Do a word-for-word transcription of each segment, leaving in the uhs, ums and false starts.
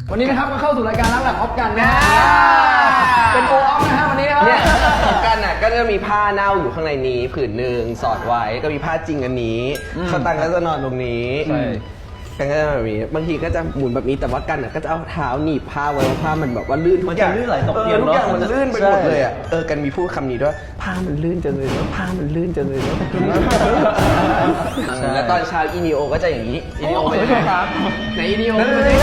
วันนี้นะครับก็เข้าสู่รายการรักแบบออฟกันนะเป็นโอออฟนะฮะวันนี้ครับเนี่ยกันน่ะก็จะมีผ้าเน่าอยู่ข้างในนี้ผืนหนึ่งสอดไว้ก็มีผ้าจริงอันนี้เขาตังก็จะนอนตรงนี้กันก็จะแบบนี้บางทีก็จะหมุนแบบนี้แต่ว่ากันน่ะก็จะเอาเท้าหนีบผ้าไว้เพราะผ้ามันแบบว่าลื่นมันจะลื่นไหลตกเตียงทุกอย่างเนอะมันลื่นไปหมดเลยอ่ะเออกันมีพูดคำนี้ด้วยผ้ามันลื่นจังเลยแล้วผ้ามันลื่นจังเลยแล้วตอนเช้าอีนิโอก็จะอย่างนี้อีดีโอไปด้วยครับไหนอีดีโอ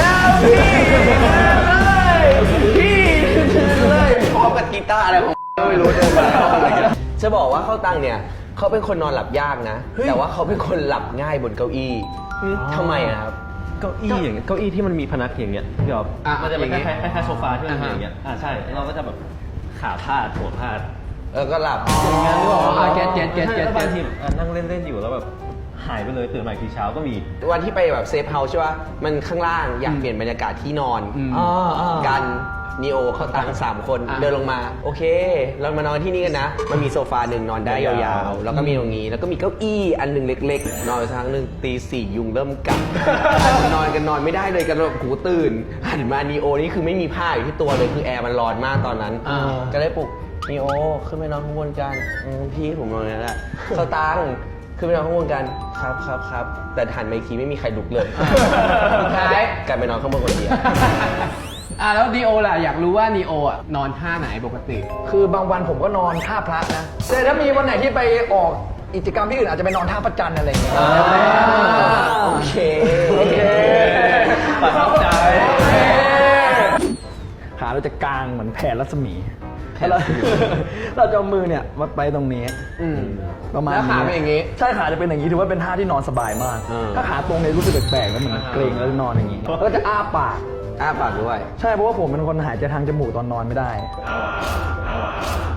พี่เลยพร้อมกับกีตาร์อะไรของไม่รู้เดินมาจะบอกว่าเข้าตังเนี่ยเขาเป็นคนนอนหลับยากนะ แต่ว่าเขาเป็นคนหลับง่ายบนเก้าอี้ทำไมอะครับเก้าอี้อย่างเงี้ยเก้าอี้ที่มันมีพนักอย่างเงี้ยพี่อ๊อฟมันจะเป็นคล้ายๆคล้ายๆโซฟาที่มันเป็นอย่างเงี้ยอ่าใช่เราก็จะแบบขาพาดหัวพาดเออก็หลับงานที่บอกว่าเก็ตเก็ตเก็ตเก็ตแล้วบางทีอ่ะนั่งเล่นๆอยู่แล้วแบบหายไปเลยตื่นมาอีกทีเช้าก็มีวันที่ไปแบบเซฟเฮาส์ใช่ป่ะมันข้างล่างอยากเปลี่ยนบรรยากาศที่นอนกันนีโอเขาตังสามคนเดินลงมาโอเค เรามานอนที่นี่กันนะมันมีโซฟาหนึ่งนอนได้ยาวๆแล้วก็มีตรงนี้แล้วก็มีเก้าอี้อันหนึ่งเล็กๆนอนไปสักพักหนึ่งตีสี่ยุงเริ่มกัดนอนกันนอนไม่ได้เลยกันแบบหูตื่นหันมานีโอนี่คือไม่มีผ้าอยู่ที่ตัวเลยคือแอร์มันร้อนมากตอนนั้นก็เลยปลุกนีโอขึ้นไปนอนข้างบนกันอืมพี่ผมนอนนั่นแหละเขาตังขึ้นไปนอนข้างบนกันครับครับครับแต่หันมาอีกทีไม่มีใครลุกเลยสุดท้ายกลายไปนอนข้างบนคนเดียวอ่ะแล้วนีโอล่ะอยากรู้ว่านีโออ่ะนอนท่าไหนปกติคือบางวันผมก็นอนท่าพระนะแต่ถ้ามีวันไหนที่ไปออกกิจกรรมที่อื่นอาจจะไปนอนท่าพระจันทร์อะไรอย่างเงี้ยโอเคโอเคประทับใจขาเราจะกางเหมือนแผ่รัศมีแล้วเราเราจะเอามือเนี่ยมาไปตรงนี้อืมประมาณแล้วขาเป็นอย่างงี้ใช่ขาจะเป็นอย่างนี้ถือว่าเป็นท่าที่นอนสบายมาก ถ้าขาตรงเนี่ยรู้สึกแปลกๆแล้วเหมือนเกรงแล้วนอนอย่างนี้แล้วก็จะอ้าปากอ้าปากด้วยใช่เพราะว่าผมเป็นคนหายใจทางจมูกตอนนอนไม่ได้